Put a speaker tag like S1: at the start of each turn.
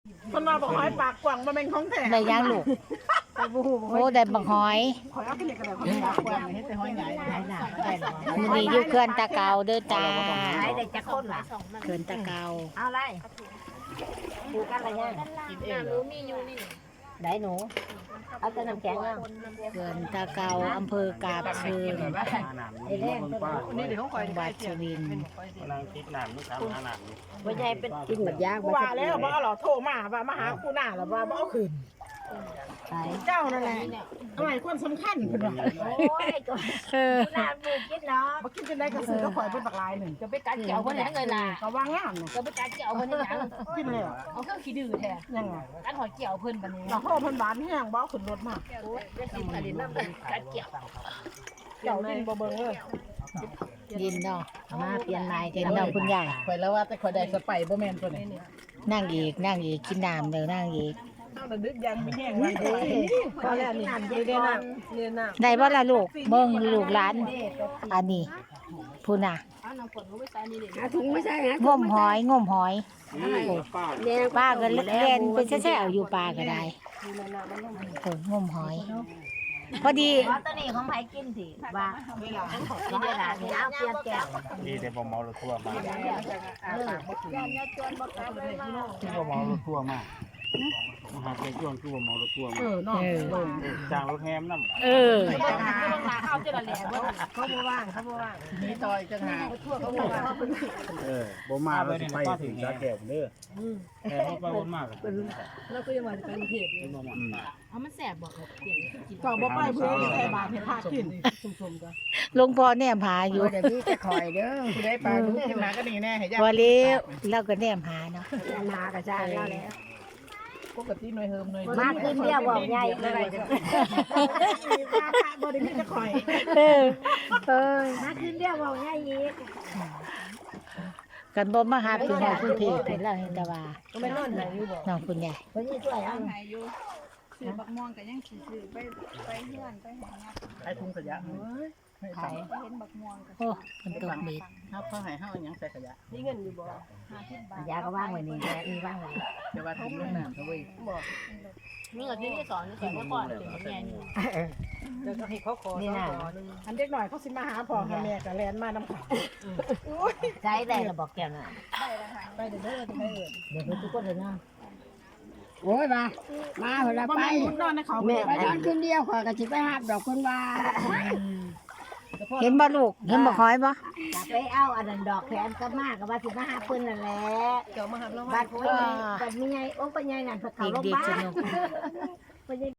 S1: คนมาบอกหอยปากกว้างมาเป็นของแท้
S2: ได้ยังลูกโอ้ได้บักหอย
S1: หอยเอาขึ้นกระดาษหอยปากกว้างให้แต่หอยใหญ่หายหนาแก่น
S2: มื้อนี้อยู่เขื่อนตะเกาเด้อจ้า
S3: หายได้จักคนล่ะ
S2: เขื่อนตะเกา
S3: เอาไรดูกันอะไรยัง
S1: กินเองเหรอ
S3: ได้หนูเอาแต่น้ำแข็งเอา
S2: เขื่อนตะเกาอำเภอกาบเชิง
S3: ไอ้แรงตัว
S1: นี่เดี๋ยวเขาคอย
S2: จังหวัดสุรินทร์
S4: นางติดน้ำลูกค้าหาน้ำ
S3: ว่าใหญ่เป็นกินหมดยาก
S1: ว่าแล้วว่าหรอโทรมาว่ามาหาคู่หน้าหรอว่าเอาคืน
S3: ใช่
S1: เจ้านั่นแหละทำไมคนสำคัญเพิ่นว่า
S3: โอ้ยก็
S2: เออ
S3: น้ำมูกกินเนาะ
S1: บ่กินจังได๋ก็ซื้อก็ข่อยเป็นบักลายหนึ่ง
S5: จะไปกัดเกี่ยวคนไหนเงินล่ะ
S1: ก็ว่างามน่ะ
S5: จะไปกัดเกี่ยวคนไหนยัง
S1: กินแล้ว
S5: เอาเครื่องขี้ดื้อแท้
S1: ยังไง
S5: กัดหอยเกี่ยวเพิ่นบัดนี้
S1: เราโทรเพิ่นหวานแห้งบ่เอาขึ้นรถมา
S5: โอ้ยจะกินอะไรน้ำกัดเกี่ยว
S1: เจ้ากินบ่เบิ่งเลย
S2: ยินเนาะ
S3: มาเปลี่ยนใหม่
S2: เห็นเนาะคุณยาย
S1: ข่อยแล้วว่าแต่ข่อยได้สไปบ่แม่นตัวนี้
S2: นั่งอีกกินน้ำเด้อนั่งอีก
S1: เอาระดึกยังมีแห้งมันพอแล้วนี่เรียนน้ำเรียนน้ำ
S2: ได้บ่ล่ะลูกเบิ่งลูกหลานอันนี้พูน่ะ
S5: เอาน้ำฝนก็ไม่ใส่นี่เลย
S3: หาถุงไม่ใช่หาง
S2: มหอย
S3: เนี่ย
S2: ป้าก็เล่นเป็นแซ่ๆอยู่ป้าก็ได้งมหอย พอดี
S3: ว่าตัวนี้ของไผกินสิว่ากินได้ล่ะนี่เอาเปลี่ยนแก้ว
S4: ดีแต่บ่เมารถทั่วมา
S3: เออ
S4: ที่บ่เมารถทั่วมาหาแต่ช่วงคือบ่เมารถทั่วมา
S1: เนาะ
S4: จ้างรถแฮมนำ
S2: เออ
S5: ข้าวเจริญแหล่บ่
S1: เขาบ่ว่างมีต่อยจังหาทั่วเขาบ่ว่าง
S4: บ่มาแล้วสิไปถึงสาแก้วเด้อแต่เขาไปวนมาก
S5: แล้วก็ยังมาเป็นเทพเอามันแสบบอกเกี่ยวกิน
S1: ก็บ่ไปเพื่อใส่บาตรให้พระกิน
S5: ชุ่มๆก็
S2: หลวงพ่อแนมหาอยู่
S3: เดี๋ยวพี่จะคอยเด้อ
S1: สิได้ปลาดุกขึ้นมาก็นี่แน่ให้ย่า
S2: บ่เลี้ยวเราก็แนมหาเนาะ
S3: มากระจายแล้ว
S1: ปกติหน่วยเฮิมหน่วย
S3: มาขึ้นเดียวบอกใหญ่เลย
S1: ว่าพระบ่ได้มีจะข่อย
S2: เออเอ้ย
S3: มาขึ้นเดียวบอกใหญ่อีก
S2: กันบ่มาหาพี่น้องกรุงเทพเป็นแล้วเห็นแต่ว่า
S5: ก็ไม่นอนไหนอยู่บ่
S2: น้องคุณยาย
S3: คนนี้ช่วยเอา
S5: ซื้อบักม่วงก็ยังสิซื้อไปเฮือนไปหายัก
S1: ไอ้ถุงขยะเฮ้ยให้
S2: ไผ
S1: ตังค์
S5: เห็นบักม่วงก็
S2: โอ้มันตกเม็ด
S1: เฮาเขาให้เฮาหยังใส่ขยะ
S5: มีเงินอยู่บ่50 บาท
S3: ยาก็ว่างไว้นี่แหละมีว่างไว้
S1: แต่ว่าถุงลงน้ำเถอะเว้ย
S5: มีเงินที่สอนนี่สอนก่อนเป็นแม่นี่
S1: จะให้เขาขอ
S3: นี่น่ะ
S1: อันเด็กหน่อยเขาสิมาหาพ่อหาแม่ก็แล่นมานำเขา
S3: ใช้ได้ระบอกแก้วน่ะ
S1: ไปเด้อจะไปเอิ้น
S3: เดี๋ยวทุกคนเลยเนาะโอ้ยมาเวลา
S1: บ่
S3: ไป
S1: แม่นมุดนอนในเขา
S3: แม่
S1: แม่
S3: ไปนอนคืนเดียวขอยก็สิไปหาดอกคนว่า
S2: เห็นบ่ลูกเห็นบ่หอยบ่
S3: จะไปเอาอันนั้นดอกแขนก็มากก็ว่าสิมาหาเพิ่นนั่นแหละ
S5: เกี่ยวมาหาเรา
S3: บัดโอ้ยบัดมีไงโอ้ปัญญานั่นเพิ่นเข้าโรงพยา
S2: เด็ก
S3: บา
S2: ๆส
S3: ล
S2: นุก
S3: ปัญญา